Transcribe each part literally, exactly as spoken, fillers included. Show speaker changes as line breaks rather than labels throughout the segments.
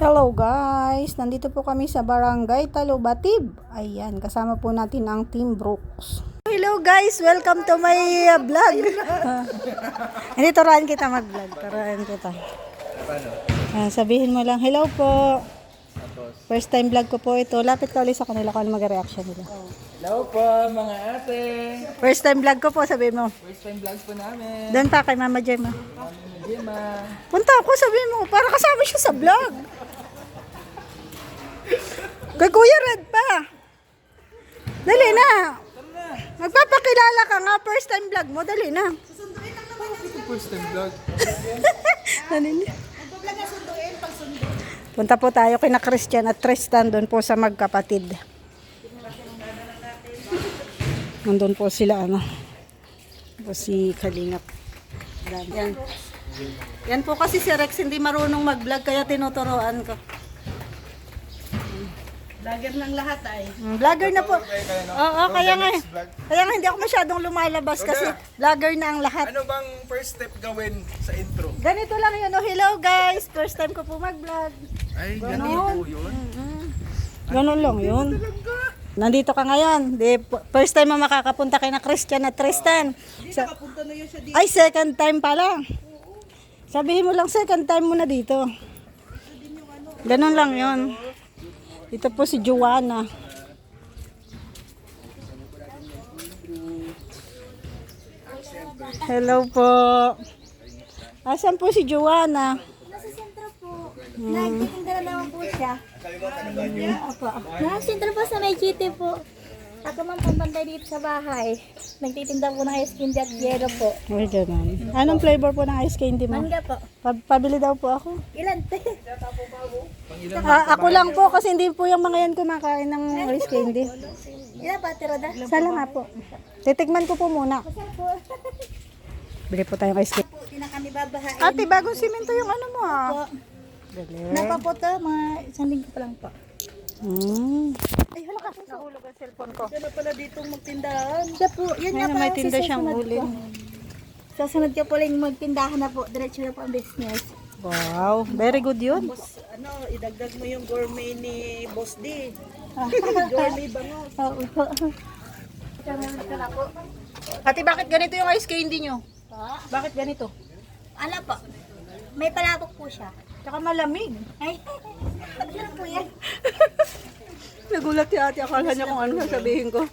Hello guys! Nandito po kami sa Barangay Talubatib. Ayan, kasama po natin ang Team Brooks. Hello guys! Welcome to my uh, vlog. Hindi, turuan kita mag-vlog. Turuan kita. Uh, sabihin mo lang, hello po. First time vlog ko po ito. Lapit ka ulit sa kanila kung ano mag-reaction nila.
Hello po mga ate.
First time vlog ko po, sabihin mo.
First time vlogs po namin.
Doon pa kay Mama Gemma.
Mami Gemma.
Punta ako, sabihin mo. Para kasama siya sa vlog. Kay Kuya Red pa. Dali na. Magpapakilala ka nga. First time vlog mo. Dali na.
First time vlog.
Dali na. Punta po tayo kina Christian at Tristan doon po sa magkapatid. Nandun po sila ano. Po si Kalingap. Yan. Yan po kasi si Rex hindi marunong mag-vlog kaya tinuturoan ko.
Vlogger ng lahat ay.
Mm, vlogger na po. Oo, kaya nga. Kaya nga hindi ako masyadong lumalabas kasi vlogger na ang lahat.
Ano bang first step gawin sa intro?
Ganito lang yun. Oh, hello guys. First time ko po mag-vlog.
Ay,
Ganon.
ganito yun.
Ganun lang yun. Nandito ka ngayon. Di, first time mo makakapunta kay na Christian at Tristan. Sa,
Punta na yun siya dito.
ay, second time pala. Sabihin mo lang second time mo na dito. Ganun lang yun. Ito po si Joanna. Hello po. Asan po si Joanna?
Nasa sentro po. Nagtitinda na naman po siya. Opo. Nasa sentro po sa may G T po. Ako man pampantay dito sa bahay. Nagtitinda po ng ice candy at yelo po.
Ay, ganun. Anong flavor po ng ice candy mo?
Mangga po.
Pa- pabili daw po ako.
Ilan?
Ah, ako lang po kasi hindi po yung mga yan kumakain ng ice candy.
Ilan pa, Tiroda?
Sala nga po. Titikman ko po muna.
Saan po?
Bili po tayong ice candy.
Po, di na kami babahain.
Ate, bagong simento yung ano mo ah.
Po. Napa po to, mga isang linggo pa lang po.
Hmm. Ay, hala ka. Nahulog ang cellphone ko.
Siya na pala ditong magtindahan.
Siya po, yun nga
Ayun,
pa
may
ang
tinda siyang
susunod
uling.
po. Susunod ka po lang magtindahan na po. Diretso na po ang business.
Wow, very good yun.
Boss, ano, idagdag mo yung gourmet ni Boss D. Gourmet bangos.
Oo po.
Ate, bakit ganito yung ice candy nyo?
Po.
Bakit ganito?
Ano po? May palabok po siya.
Tsaka malamig.
Ay, ano po yan?
Nagulat si ate, akala niya kung ano sasabihin ko.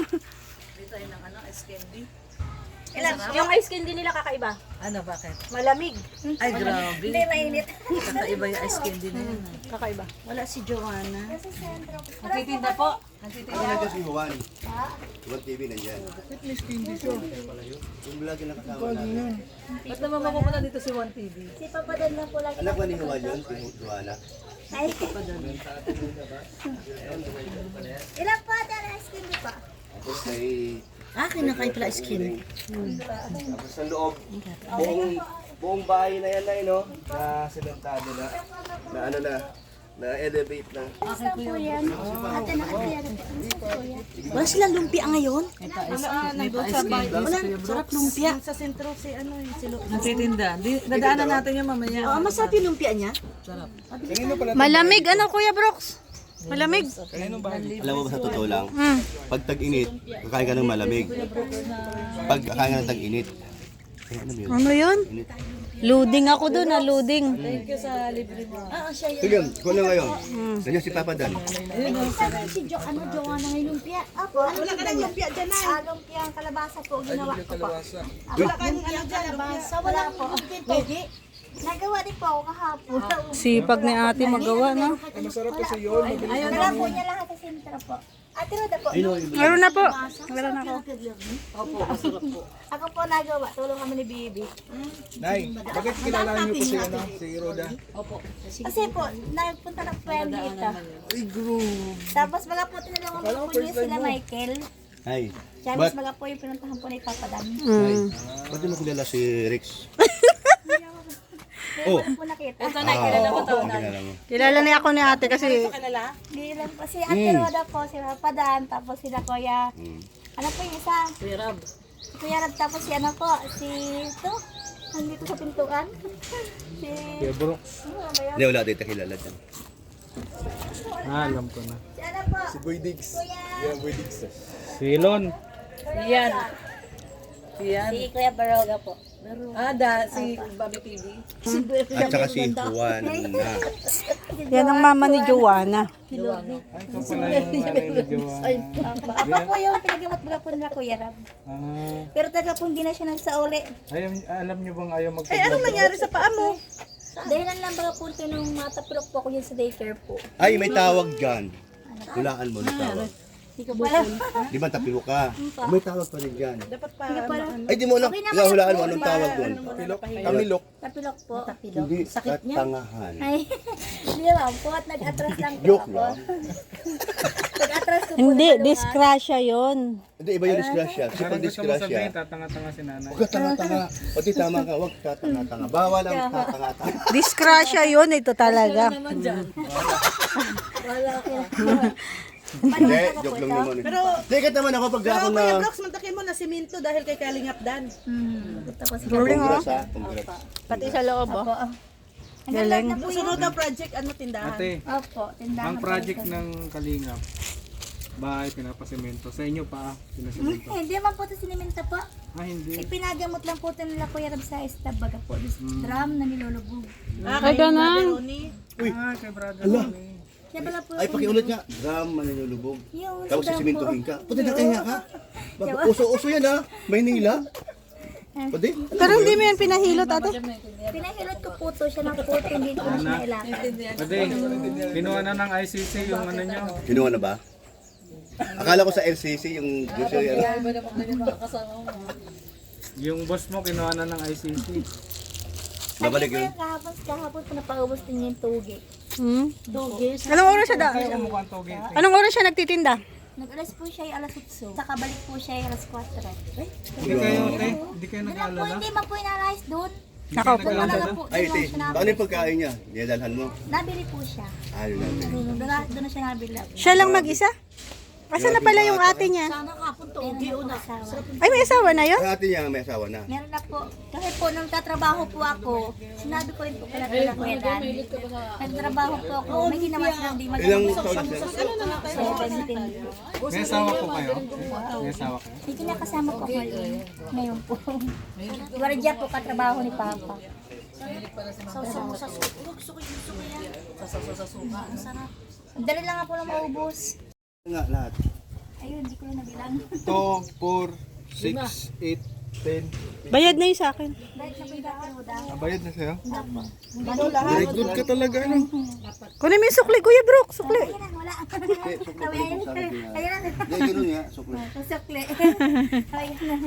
Ilan?
Yung ice candy nila kakaiba.
Ano, bakit?
Malamig.
Ay, grabe.
Hindi, mainit.
Kakaiba yung ice candy na yun.
Kakaiba.
Wala si Joanna.
Sa sentro po.
Nagtitinda po.
Ako na kasi Juan. Juan T V nandyan. Yung vlog na kasama natin.
Ba't naman mapupunta dito si One T V?
Si Papa Dan lang po lagi.
Anak ba ni Juan yun? Si Juana?
Ay. Ilan po ate ang ice cream pa?
Tapos may...
Ah, kinakain pala skin.
Tapos sa loob. Buong, buong bahay na yan na yun, no? Na sementado na. Na ano na. Na-elevate na.
Isa po yan. Ate na ate yan.
Wala silang lumpia ngayon? May pa ice cream.
Wala,
Sarap lumpia.
Sa sentro si ano, yung silo.
Nagtitinda. Di, dadaanan natin yung mamaya.
Oo, masarap yung lumpia niya.
Sarap.
Malamig, ano Kuya Brooks? Malamig.
Alam mo ba sa totoo lang? Pag tag-init, kakain ka ng malamig. Pag kakain ka ng tag-init. Ay, ano yun?
Ano yun?
Init.
Loading ako doon, ah, loading.
Ah, siya yan.
Sige, ikaw na ngayon. Nandiyan si Papa Dan.
Sabi si Jo, ano, Joanna ng lumpia. Apo,
Wala ka ng lumpia dyan na.
Ah, lumpia ang kalabasa po, ginawa ko po.
Wala ka ng ano dyan, lumpia.
Sa wala po. Pogi. Nagawa din po ako kahapon.
Sipag ni ate magawa, no?
Masarap po siya yun. Wala po niya lahat sa sentro po. Ate Roda po.
Meron na po. Meron na ako.
Opo, masarap po.
Ako po nagawa. Tulong kami ni Bibi.
Nay, bakit kilala niyo po si, ano, si Roda?
Kasi po, nagpunta ng friend dito. Tapos mga po tinulungan po niya sila Michael.
Ay,
Tapos mga po yung pinuntahan po ni Papa Dan.
Mm.
ba't di mo kilala si Rex? Oh,
Po nakita.
Ito na, kilala mo to.
ang kilala mo.
Kilala niya ako ni ate kasi
Hindi lang po. Si Ate Roda po, si Papa Dan, tapos sila Kuya. Ano po yung isa?
Kuya Rab.
Si Kuya Rab, tapos si ano po, si ito. Andito sa pintuan. Si...
Kuya Brooks.
Hindi, wala dito kilala dyan.
Ah, alam ko na.
Si ano po?
Si Boy Diggs. Yeah, Boy Diggs.
Si Elon.
Yan. Yan.
Si Kuya Baroga po.
Ah, da, si Bobby T V.
At saka si Juan na.
Yan ang mama ni Joanna.
Ay, ikaw pala yung nanay ni Joanna.
Ako po yung pinagamot baga po nila Kuya Rab.
Ah,
Pero talaga pong di na siya nagsauli.
ayaw, alam niyo bang ayaw
Eh,
magpag-
anong nangyari sa paa mo?
Dahilan lang baga po ito nung matapilok po ako dyan sa daycare po.
Ay, may tawag dyan. Hulaan mo ng tawag.
Hindi ko pala.
Di ba tapilo ka? May tawag pa rin dyan.
Dapat pa,
Ay, di mo alam. Ikaw hulaan mo anong tawag doon. Tamilok.
Tapilok po.
Hindi, katangahan.
Ay, hindi lang po at nag-atras lang po
Joke
ako.
lang.
Nag-atras ko po.
Hindi,
na
disgrasya yon.
Hindi, iba yung disgrasya. Kasi
Parang
pag
gusto mo sabihin,
disgrasya,
tatanga-tanga si nanay.
huwag ka tanga-tanga. Pati tama ka, huwag ka tanga-tanga. Bawal ang tatanga-tanga.
Disgrasya yon, ito talaga.
Hindi, joke lang naman. Pero, Likat naman ako pag
Pero
ako
Kuya
na...
Brooks, mantakin mo na siminto dahil kay Kalingap Dan.
Tapos
Congrats ha, congrats.
Pati sa loob, oh.
po. Ang
Galing.
galing na po yun.
Sunod na project, ano tindahan?
Ate,
Opo, tindahan
ang
po
project
ito.
ng Kalingap, bahay pinapasemento. Sa inyo pa, pinasemento.
Eh, hindi naman po ito siniminta po.
Ah, hindi.
Ipinagamot lang po ito nila Kuya Rab sa estab baga po. This drum na nilulubog.
Ah, kay Brother Ronnie.
Ah, kay brother. Ronnie.
Siya pala po.
Ay, pakiulit nga. Drum, mananulubog.
Yung
Tapos
sa drum po.
sisimintuhin ka. Pwede na kaya ka? Baka uso-uso yan ha. Maynila. Pwede?
Pero hindi mo yan pinahilot, ate.
Pinahilot ko po ito siya ng puto, hindi ko na siya nailakad.
Pwede, kinuha na ng I C C yung ano nyo.
Kinuha na ba? Akala ko sa L C C yung gusto yan.
Yung boss mo, kinuha na ng I C C.
Babalik
Sabi
yun.
ko kahapon, kahapon po napaubos din niya yung tugi.
Hmm?
Tugi.
Anong oras siya da?
Mukhang toge.
Anong oras siya nagtitinda?
Nag-alas po siya ay alas eight. Saka balik po siya ay alas four.
Hindi kayo, eh, hindi kayo
Doon lang po,
nag-aalala.
hindi man po inalayas doon.
Nakaupo lang.
Wala na po.
Ay,
doon lang
te,
siya
paano yung pagkain niya? Niyadalhan mo?
Nabili po siya.
Ayun natin.
Doon na, doon na siya nabili.
Siya lang mag-isa? Asa na pala yung ate niya?
Sana kapon to, ugi una.
Ay, may asawa na yun?
Ang ate niya may asawa na.
Meron na po. Kasi po, nung tatrabaho po ako, sinabi ko rin po kala kala Kuya Dan. Nagtrabaho po ako, may ginawa silang di
Ilang
mag-
taon na siya?
seventeen.
May asawa po kayo? May asawa kayo?
May kinakasama po ako ngayon. Ngayon po. Guardia po katrabaho ni Papa. Dali lang nga po lang maubos.
Nga, lahat.
Ayun, hindi ko na nabilang.
two, four, six, eight, ten.
Bayad na yun sa akin.
Balik na po yung kakaroda.
Bayad na sa'yo?
Ah,
Very good ka talaga, no?
Kunin mo yung sukli, Kuya Brooke. Sukli.
Ayun na, wala.
Eh, sukli pa rin sabi niya.
Ayun na.
Hindi, ganun nga, sukli.
Sukli. Ayun na.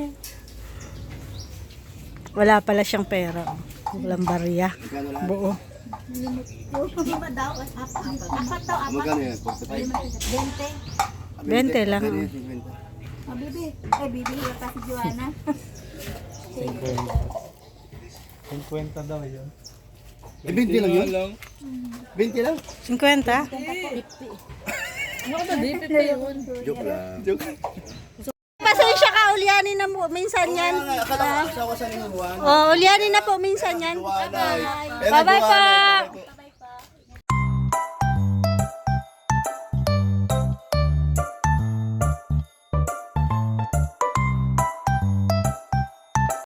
Wala pala siyang pera. Walang barya.
Magkano lahat?
Buo.
Lima daw. Apat. Apat daw, apat.
Magkano yan? forty-five?
Bente.
Bente lang,
Ganyan,
oh.
fifty.
Oh, bibi. Ay, bibi. Yung pa si Joanna.
fifty daw yun.
Eh, twenty lang yun? twenty lang?
fifty?
Joke lang. Joke.
Pasensya ka, ulyanin na mo. Minsan yan.
Akala ko asawa sa inuwan.
Oh, ulyanin na po minsan yan.
Juana.
Bye-bye po.